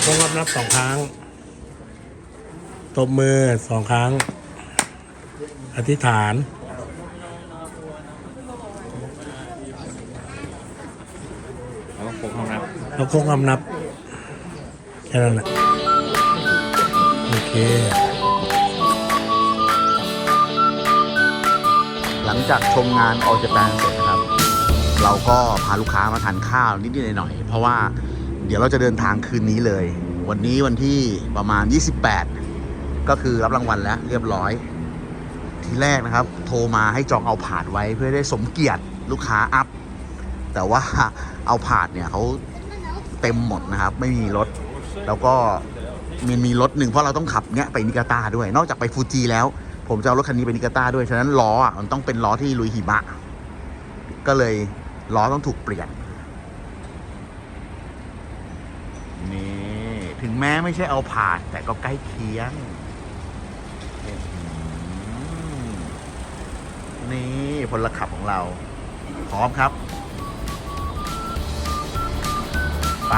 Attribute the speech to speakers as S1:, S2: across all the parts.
S1: ค้งรับนับ2 ครั้งตบมือ2 ครั้งอธิษฐาน
S2: แล้วโค้งคำนับ
S1: แล้วโค้งคำนับแค่นั้นแหละโอเค
S3: หลังจากชมงานAll Japanเสร็จนะครับ เราก็พาลูกค้ามาทานข้าวนิดๆหน่อยๆเพราะว่าเดี๋ยวเราจะเดินทางคืนนี้เลยวันนี้วันที่ประมาณ28ก็คือรับรางวัลแล้วเรียบร้อยทีแรกนะครับโทรมาให้จองเอาผาดไว้เพื่อได้สมเกียรติลูกค้าอัพแต่ว่าเอาผาดเนี่ยเขาเต็มหมดนะครับไม่มีรถแล้วก็มีรถหนึ่งเพราะเราต้องขับเนี้ยไปนิกาตาด้วยนอกจากไปฟูจิแล้วผมจะเอารถคันนี้ไปนิกาตาด้วยฉะนั้นล้ออ่ะมันต้องเป็นล้อที่ลุยหิมะก็เลยล้อต้องถูกเปลี่ยนนี่ถึงแม้ไม่ใช่เอาผาดแต่ก็ใกล้เคียงนี่พลขับของเราพร้อมครับไป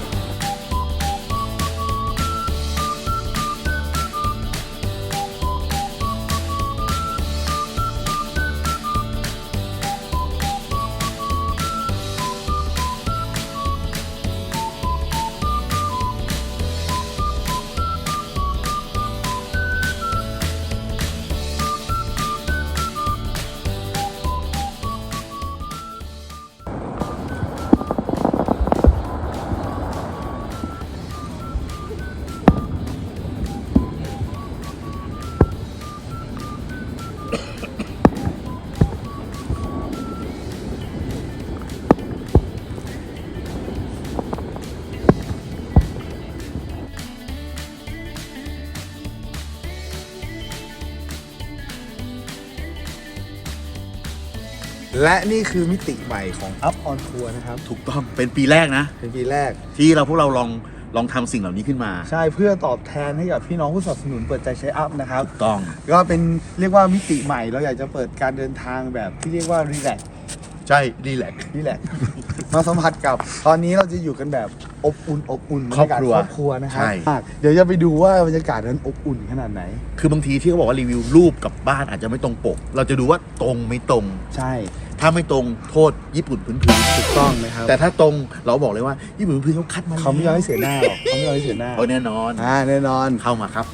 S4: และนี่คือมิติใหม่ของ Up on Tour นะครับ
S3: ถูกต้องเป็นปีแรกนะ
S4: เป็นปีแรก
S3: ที่พวกเราลองทำสิ่งเหล่านี้ขึ้นมา
S4: ใช่เพื่อตอบแทนให้กับพี่น้องผู้สนับสนุนเปิดใจใช้ Up นะครับ
S3: ถูกต้อง
S4: ก็เป็นเรียกว่ามิติใหม่เราอยากจะเปิดการเดินทางแบบที่เรียกว่ารีแลกซ์
S3: ใช่รีแลกซ์
S4: มาสัมผัสกับตอนนี้เราจะอยู่กันแบบอบอุ่น
S3: ครอบครัว
S4: นะครับเดี๋ยวจะไปดูว่าบรรยากาศนั้นอบอุ่นขนาดไหน
S3: คือบางทีที่เขาบอกว่ารีวิวรูปกับบ้านอาจจะไม่ตรงปกเราจะดูว่าตรงไม่ตรง
S4: ใช่
S3: ถ้าไม่ตรงโทษญี่ปุ่นพื้น
S4: ถูกต้องนะครับ
S3: แต่ถ้าตรงเราบอกเลยว่าญี่ปุ่นพื้นเขาคัดมา
S4: เขาไม่ยอมให้เสียหน้าหรอกเขาไม่ยอมให้เสียหน้า
S3: แน่นอน
S4: แน่นอน
S3: เข้ามาครับ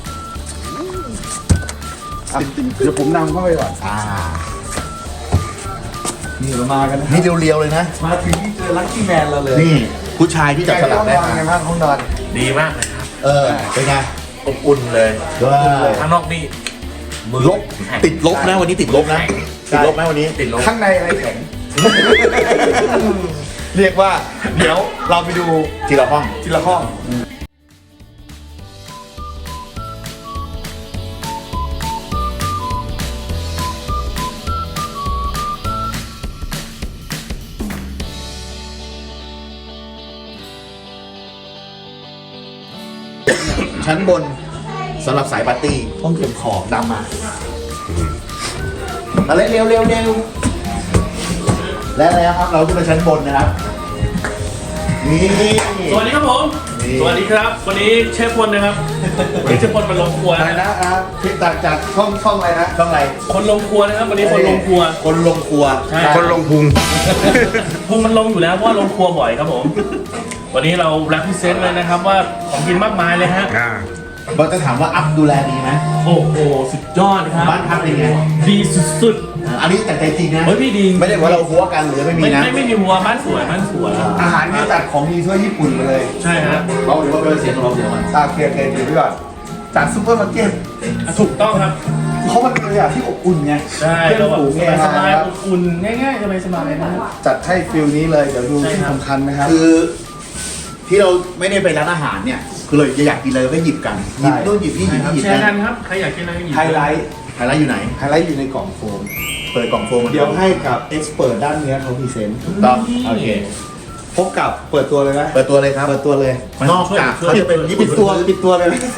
S4: เดี๋ยวผมนำเข้าไปก่อนนี่เรามากันนะ
S3: นี่เรียวๆเลยนะ
S4: มาถึงที่เจอลัคกี้แมนเราเลย
S3: นี่ผู้ชายที่จับสลักได้
S4: ไงบ้างห้องนอน
S2: ดีมากเลยครับ
S3: เป็นไง
S2: อบอุ่นเลยข้างนอกนี่
S3: ลบติดลบนะวันนี้ติดลบนะติดลบไหมวันนี้
S2: ติดลบ
S4: ข้างในอะไรแข็งเรียกว่าเดี๋ยวเราไปดู
S3: ทีละห้องชั้นบนสำหรับสายปาร์ตี้
S4: ห้องเก็บของ
S3: ดำมาอะไรเร็วและอะไรครับเราขึ้นไปชั้นบนนะครับนี่
S2: สวัสดีครับผมสวัสดีครับวันนี้เชฟพลนะครับวันนี้เชฟพลมาลงครัว
S4: อะไรนะครับที่ต่างจากช่องอะไรนะ
S3: ช่องอะไร
S2: คนลงครัวนะครับวันนี้คนลงครัว
S3: คนลงครัว
S4: คนลงพุง
S2: มันลงอยู่แล้วเพราะว่าลงครัวบ่อยครับผมวันนี้เราแรปพิเศษเลยนะครับว่าของกินมากมายเลยฮะ
S3: เราจะถามว่าอัพดูแลดีไหม
S2: โอ้โหสุดยอดครับ
S3: บ้านพักเป็นไง
S2: ดีสุด
S3: ๆอันนี้แต่ใจจริงนะ
S2: เฮ้ยพี่ดี
S3: ไม่ได้ว่าเราหัวกันหรือไม่มีนะ
S2: ไม่มีหัวบ้านสวย
S4: อาหารนี่จัดของดีทั่วญี่ปุ่นมาเลย
S2: ใช่ฮะ
S3: เราหรือว่าเป็นเสียงของเราเดี๋ยวมัน
S4: เคลียร์พี่ก่อนจากซุปเปอร์มาร์เก็ต
S2: ถูกต้องครับ
S4: เขามันเป็นอย่างที่อบอุ่นไง
S2: ใช่เราแบบสบายอบอุ่นง่ายๆสบายนะ
S4: จัดให้ฟิลนี้เลยเดี๋ยวดูที่สำคัญนะครับ
S3: คือที่เราไม่ได้ไปร้านอาหารเนี่ยคือเราอยากกินอะไรก็หยิบกันหยิบนู่นหยิบนี่หยิบ
S2: แชร์กันครับใครอยากกินอะไรก็หยิบ
S4: ไฮไลท์
S3: อยู่ไหน
S4: อยู่ในกล่องโฟม
S3: เปิดกล่องโฟม
S4: เดี๋ยวให้กับเอ็กซ์เปิดด้านเนื้อเขาพรีเซนต์
S3: ต้องโอเค
S4: พบกับเปิดตัวเลยนะ
S3: เปิดตัวเลยครับ
S4: เปิดตัวเลย
S3: นอกจากเขาจะเป็น
S4: ปิดตัวเลย
S3: ปิดตัว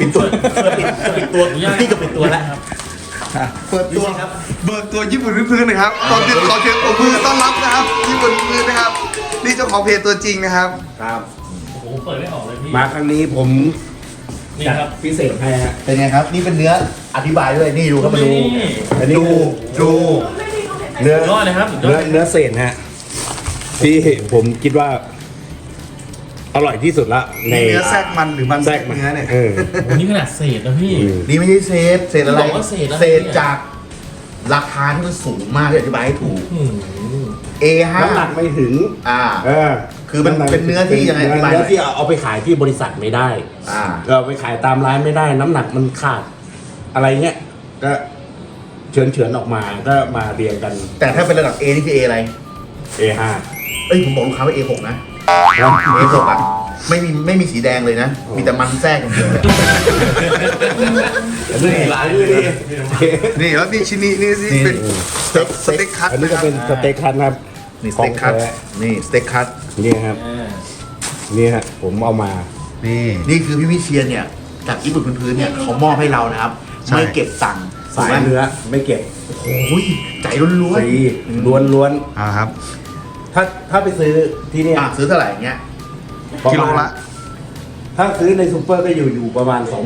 S3: ที่กับปิดตัวแล้วครับ
S4: เปิดตัวครับเปิดตัวญี่ปุ่นพื้นๆนะครับตอนที่ขอเชิญปรบมือต้อนรับนะครับญี่ปุ่นพื้นนะครับนี่เจ้าของเพจตัวจริงนะครับ
S3: ครับ
S2: โอ้โหเปิดไม่ออกเลยพี่
S1: มาครั้งนี้ผม
S2: นี่ครับ
S1: พิเศษให้ฮะ
S3: เป็นไงครับ นี่เป็นเนื้ออธิบายด้วยนี่ดูครับมาดู
S2: นี่
S1: อันนี้
S3: ดู
S1: เนื้อ
S2: สุดยอดเลยครับสุดยอด
S1: เนื้อเศษฮะที่ผมคิดว่า อร่อยที่สุดละใน
S3: เนื้อแทรกมันหรือมัน
S1: แทรกมัน
S3: เนื้อเนี่ย
S1: เออ
S2: โอ้นี่ขนาดเศษนะพี่
S3: นี่ไม่ใช่เศษอะไร
S2: บอกว่าเศษอะไร
S3: เศษจากราคาที่มันสูงมากที่อธิบายให้ถูก
S2: อืม
S3: A5
S1: น้ำหนักไม่ถึง
S3: เออ คือมันเป็นเนื้อที่ยังไงอธิบายห
S1: เนื้
S3: น่
S1: อ
S3: อย
S1: ที่เอาไปขายที่บริษัทไม่ได้
S3: อ่า
S1: เราไปขายตามร้านไม่ได้ น้ำหนักมันขาด อะไรเงี้ยก็เฉือนออกมาก็มาเรียงกัน
S3: แต่ถ้าเป็นระดับ A นี่คือ A อะไร
S1: A5
S3: เอ้ยผมบอกลูกค้าว่า A6 นะ A6 อ่ะไม่มีสีแดงเลยนะ มีแต่มันแทรกอย่างเดียวเลย
S1: นี่หลายด้วยนี่
S4: นี่แล้วนี่ชิ้นนี้นี่เป็นสเต็กคัต
S1: อันนี้ก็เป็นสเต็กคัทครับ
S3: นี่สเต็กคัต
S1: ของแท้
S3: นี่สเต็กคัต
S1: นี่ครับ นี่ฮะผมเอามา
S3: นี่คือพี่วิเชียนเนี่ยจากญี่ปุ่นพื้นๆเนี่ยเขามอบให้เรานะครับ
S4: ใช่
S3: ไม่เก็บตังค์
S1: สายเนื้อไม่เก็บ
S3: โอ้ยใจล้วน
S1: ฟรีล้วน
S4: อ่าครับ
S1: ๆถ้าไปซื้อที่เนี่ย
S3: ซื้อเท่าไหร่เงี้ย
S1: ประมาณ
S4: กิโลละ
S1: ถ้าซื้อในซูเปอร์ก็อยู่ประมาณ 20,000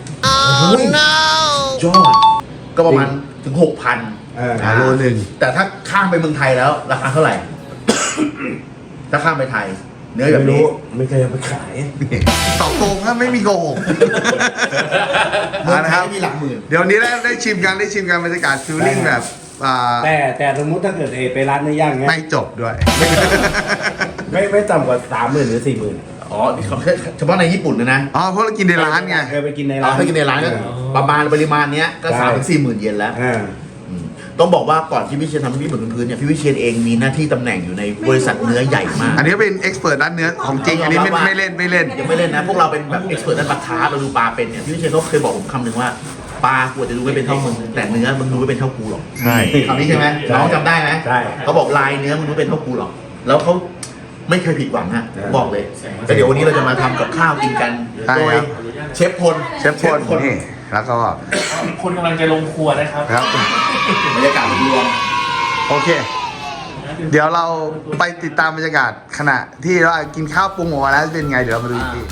S3: ยอดก็ประมาณถึง 6,000
S4: โลหนึ่ง
S3: แต่ถ้าข้ามไปเมืองไทยแล้ว ราคาเท่าไหร่ ถ้าข้ามไปไทย เนื้อแบบ
S1: ไม่
S3: นี้
S1: รู้ไม่เคยเอาไปขาย
S4: ต่อโกงครับไม่มีโกหก
S3: เมืองไท
S4: นะครับ
S3: ยมีหลักหมื่น
S4: เดี๋ยวนี้ได้ชิมกันบรรยากาศฟิลลิ่งแบบ
S1: แต่สมมุติถ้าเกิดไปร้านเนื้อย่างเงี้ย
S4: ไม่จบด้วย
S1: ไม่ต่ำกว่า 30,000 หรือ 40,000
S3: อ๋อเฉพาะในญี่ปุ่นนะ
S4: อ๋อเพราะเรากินในร้านไง
S1: เคยไปกินใน
S3: เรา
S1: ร้าน
S3: ให้กินในร้านก็ประมาณปริมาณเนี้ยก็
S1: ใช่
S3: 3-4 หมื่นเยนแล้ว
S1: อ่า
S3: ต้องบอกว่าก่อนที่พี่เชียนทำที่บนพื้นเนี่ยพี่วิเชียนเองมีหน้าที่ตำแหน่งอยู่ในบริษัทเนื้อใหญ่มาก
S4: อันนี้เป็นเอ็กซ์เพรสด้านเนื้อของจริง อันนี้ไม่เล่น
S3: ยังไม่เล่นนะ พวกเราเป็นแบบเอ็กซ์เพรสด้านปลาคาร์ฟเราดูปลาเป็นเนี่ยพี่วิเชียนเขาเคยบอกผมคำหนึ่งว่าปลากูอาจจะดูไม่เป็นเท่ามึงแต่เนื้อมึงดูไม่เป็นเท่ากูหรอก
S4: ใช่
S3: คำนี้ใช่ไหมน้องจำได้ไหม
S1: ใช่
S3: เขาบอกลายเนื้อมึงดูไม่เป็นเท่ากูหรอกแล้วเขาไม่เคยผิดหวังฮะ
S1: ใช่
S3: บอกเลยแต่เดี๋ยววันนี้เราจะมาทำกับข้าวกินกัน
S4: ใช่
S3: โดย
S4: ครับ
S3: เชฟพล
S4: เชฟพลนี่แล้วก็
S2: คนกำลังจะลงครัวนะครับ
S4: ครับ
S3: บรรยากาศรวม
S4: โอเค เดี๋ยวเราไปติดตามบรรยากาศขณะที่เรากินข้าวปรุงออกมาแล้วเป็นไงเดี๋ยวเรามาดูอีกที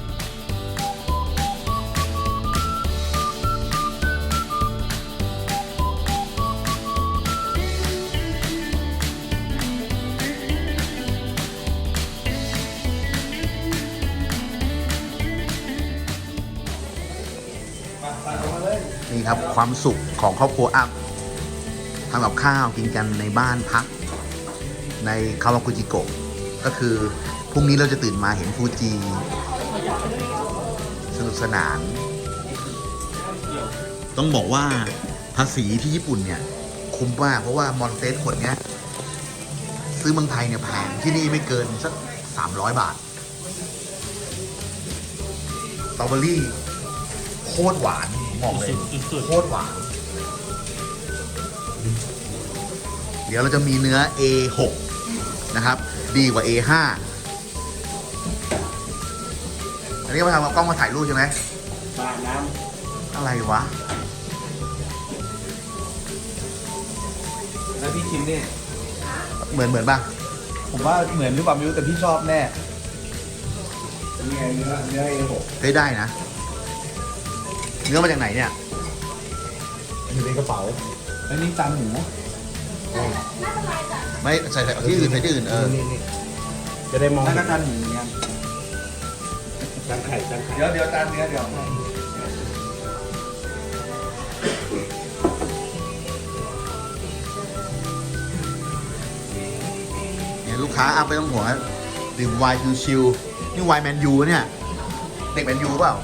S4: นี่ครับความสุขของครอบครัวอัพทำกับข้าวกินกันในบ้านพักในคาวากุจิโกะก็คือพรุ่งนี้เราจะตื่นมาเห็นฟูจิสนุกสนาน ต้องบอกว่าภาษีที่ญี่ปุ่นเนี่ย คุ้มมากเพราะว่ามอนเตสขวดเนี้ย ซื้อเมืองไทยเนี่ยแพงที่นี่ไม่เกินสัก300 บาทสตรอเบอรี่โคตรหวานผมบอกเลย
S2: สุด
S3: โคตรหวาน เดี๋ยวเราจะมีเนื้อ A6 นะครับ ดีกว่า A5 อันนี้ก็มาทำกับกล้องมาถ่ายรูปใช่ไหม
S1: บ้านน้
S3: อะไรวะ
S4: แล้วพี่ชิมเนี่ย
S3: เหมือนป่ะ
S4: ผมว่าเหมือนหรือเปล่าไม่รู้แต่พี่ชอบแน่นี่ไงเนื้อ A6
S3: เฮ้ยได้นะ เนื้อมาจากไหนเนี่ย
S1: อยู่ในกระเป๋า
S4: แล้วนี่จานหมู
S3: ไม่ใส่ที่อื่นใส่ที่อื่น
S1: นี่จะได้มอง
S4: นั่นก็จานหมูเหมือนกัน
S1: จานไข่จานไข่
S4: เดี๋ยวจานเนื้อเดี๋ยว
S3: เนี่ยลูกค้าเอาไปต้องห่วงนะดื่มไวน์ชิวๆนี่ไวน์แมนยูเนี่ย เด็กแมนยูเปล่า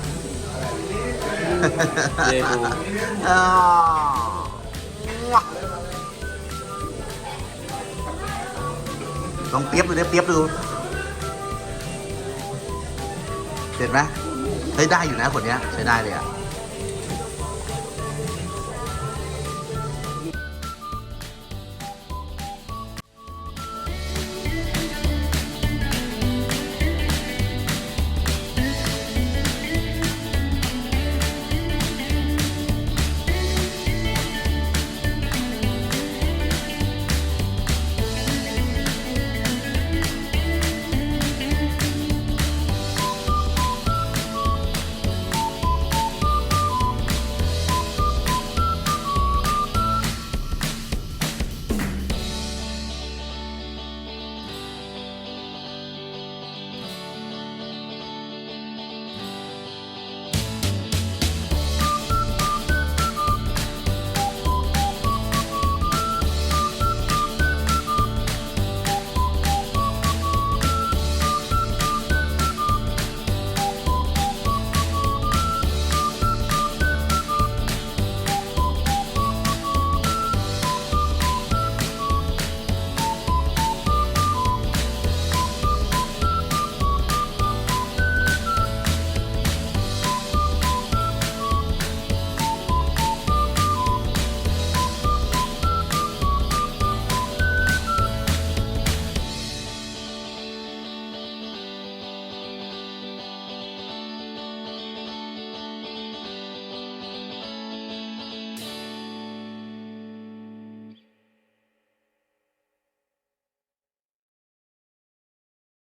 S2: เยดู
S3: อ่าลองเปียบดูเนี่ยเปียบดูเด็ดไหมได้อยู่นะคนเนี้ยใช้ได้เลยอ่ะ